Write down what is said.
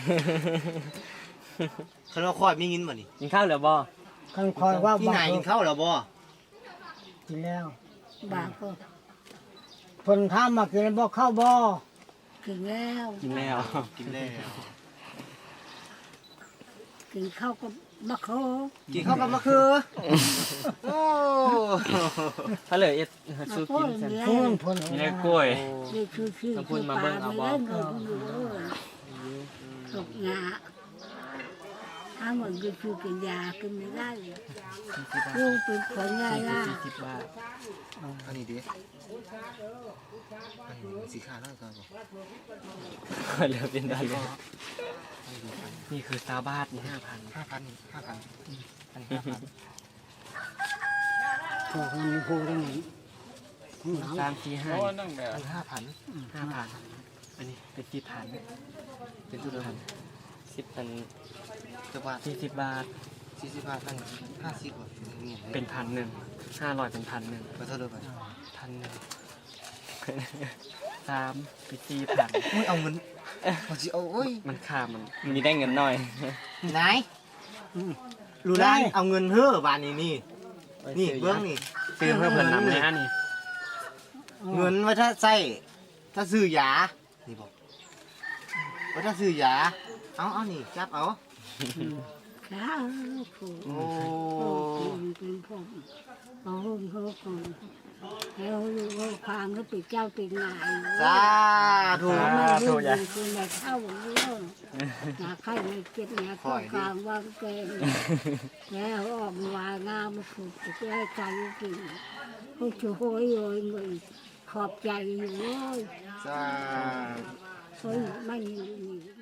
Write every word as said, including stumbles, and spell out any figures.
คันว่าคอยมีเงินบ่นี่กินข้าวเหลือบ่คันคอยว่าพี่บานายกินข้าวแล้วบ่กินแล้วบางก็เพิ่นถามมากินบ่เข้าบ่กินแล้วกินแล้วกินแล้วกินข้าวก็มะโคกินข้าวกับมะเขือโอ้ถ้าเหลือเอ็ดสู้กินซั่นเพิ่นเพิ่นมีได้กล้วยนี่คือคือต้องพูดมาเบิ่งเอาบ่ไม่ได้เงินอยู่เลยตกงาถ้าเหมือนก็คือกินยากินไม่ได้ลูกเป็นคนง่ายล่ะสี่สิบบาทอันนี้ดิอันนี้สีขาวแล้วก็บ่เหลือเป็นได้เลยนี่คือซาบาทนี่ห้าพันห้าพันห้าพันอันนี้ห้าพันพวกมันมีผู้ได้หมดสามสี่ห้าอันห้าพันห้าพันอันนี้เป็นสิบพันเป็นทุกพันสิบพันจะบาทสี่สิบบาทสี่สิบห้าพันห้าสิบกว่านี่เป็นพันหนึ่งห้าร้อยเป็นพันหนึ่งก็เท่าเดิมไปพันหนึ่งสามเป็นสี่พันอุ้ยเอาเงินเอาสิเอาโอ้ยมันค่ามันมีได้เงินหน่อยนายรู้ได้เอาเงินเฮ้อบานนี้นี่นี่เบื้องนี่ซื้อเพื่อเพิ่นนำนะนี่เงินไว้ถ้าใส่ถ้าซื้อยานี่บอกไว้ถ้าซื้อยาเอาเอานี่จับเอาข้าวผูกโอ้โอ้เป็นเป็นผมโอ้โหโอ้โหแล้วลูกความก็เป็นเจ้าเป็นนายสาธุไม่รู้คือในเข้าเรื่องหนาไข่ไม่เก็บเนี่ยข้อกลางวางเกณฑ์แล้วออกมางามมาผูกจะให้ใจกินพวกช่วยโยยเงินขอบใจอยู่เลยสาธุเฮ้ยไม่มี